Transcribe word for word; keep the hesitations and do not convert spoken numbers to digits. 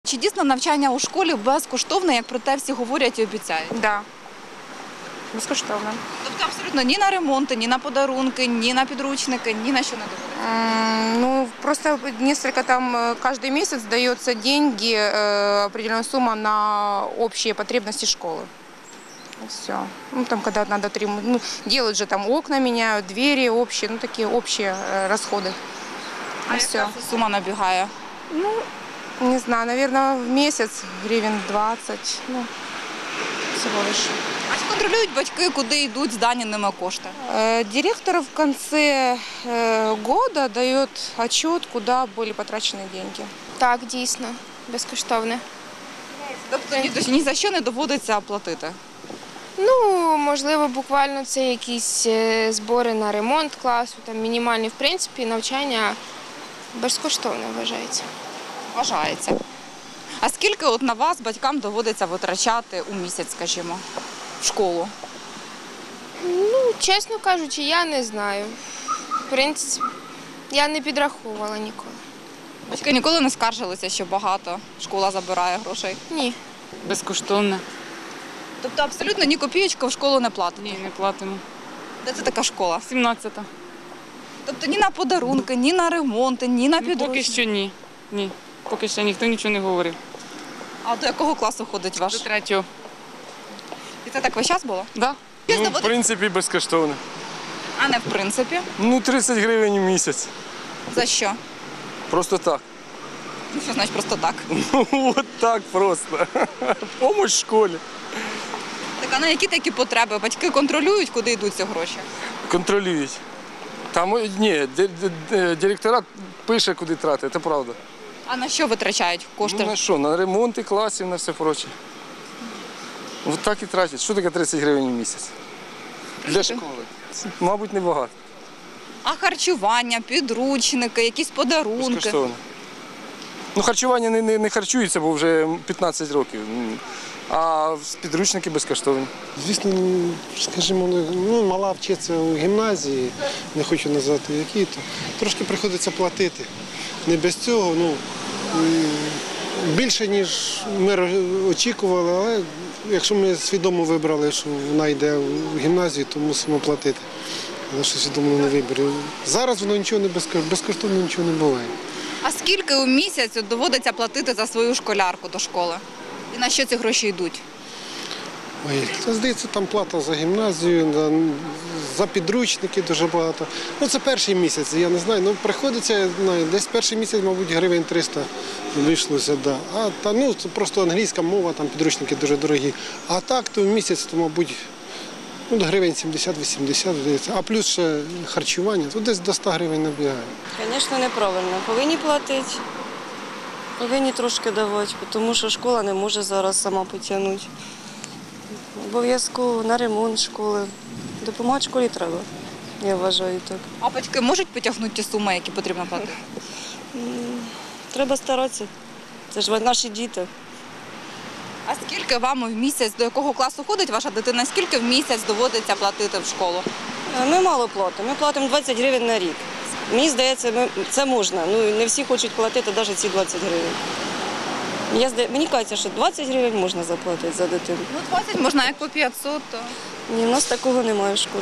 Чи дійсно навчання у школі безкоштовне, як про те всі говорять і обіцяють? Так, да. Безкоштовно. Тобто абсолютно ні на ремонти, ні на подарунки, ні на підручники, ні на що не доводиться? Ну, просто несколько там, э, каждый месяц дается деньги, э, определенная сумма на общие потребности школы. Все. Ну, там, когда надо, трем- ну, делают же там окна меняют, двери общие, ну, такие общие э, расходы. А все. яка це сума набігає? Не знаю, наверное, в месяц гривен двадцать, ну, всего лишь. А чи контролюють батьки, куди йдуть здані ними кошти? Э, Директор в конце э, года дает отчет, куда были потрачены деньги. Так, дійсно, безкоштовне. Тобто ні, ні за що не доводиться платити? Ну, можливо, буквально це якісь е, збори на ремонт класу, там мінімальні, в принципі, навчання безкоштовне вважається. Вважається. А скільки от на вас батькам доводиться витрачати у місяць, скажімо, в школу? Ну, чесно кажучи, я не знаю. В принципі, я не підраховувала ніколи. Батьки ніколи не скаржилися, що багато школа забирає грошей? Ні. Безкоштовно. Тобто абсолютно ні копієчки в школу не платите? Ні, не платимо. Де це така школа? сімнадцята. Тобто ні на подарунки, ні на ремонти, ні на Ну, підручники? поки що ні. Ні. Поки що ніхто нічого не говорив. А до якого класу ходить ваш? До третього. І це так весь час було? Да? Ну, в принципі, безкоштовно. А не в принципі? Ну, тридцять гривень в місяць. За що? Просто так. Ну, що значить просто так? Ну, от так просто. Помощь школі. Так, а на які такі потреби? Батьки контролюють, куди йдуть ці гроші? Контролюють. Там, о, ні, ди- ди- ди- директора пише, куди тратити, це правда. А на що витрачають кошти? Ну, на що? На ремонти класів, на все проче. От так і тратять. Що таке тридцять гривень в місяць? Для школи. Мабуть, небагато. А харчування, підручники, якісь подарунки? Безкоштовно. Ну, харчування не, не, не харчується, бо вже п'ятнадцять років. А підручники безкоштовні. Звісно, скажімо, ну, мала вчиться у гімназії, не хочу назвати які, то трошки приходиться платити. Не без цього, ну, м, більше, ніж ми ро- очікували, але якщо ми свідомо вибрали, що вона йде у гімназію, то мусимо платити. Але що свідомо не вибір. Зараз воно нічого не безкоштовно, безкоштовно нічого не буває. А скільки у місяць от доводиться платити за свою школярку до школи? І на що ці гроші йдуть? Ой, це, здається, там плата за гімназію, за, за підручники дуже багато. Ну, це перший місяць, я не знаю. Ну, приходиться, я знаю, десь перший місяць, мабуть, гривень триста вийшлося, да. А та, ну, це просто англійська мова, там підручники дуже дорогі. А так, то в місяць, то, мабуть, ну, гривень сімдесят-вісімдесят, здається. А плюс ще харчування, то десь до ста гривень набігає. Звісно, неправильно. Повинні платити, повинні трошки давати, тому що школа не може зараз сама потягнути. Обов'язково на ремонт школи. Допомагати школі треба, я вважаю так. А батьки можуть потягнути ті суми, які потрібно платити? Треба старатися. Це ж наші діти. А скільки вам в місяць, до якого класу ходить ваша дитина, скільки в місяць доводиться платити в школу? Ми мало платимо. Ми платимо двадцять гривень на рік. Мені здається, ми- це можна. Ну, не всі хочуть платити навіть ці двадцять гривень. Я, зда- мені кажеться, що двадцять гривень можна заплатити за дитину. Ну, двадцять можна, як по п'ятсот, то... Ні, в нас такого немає в школі.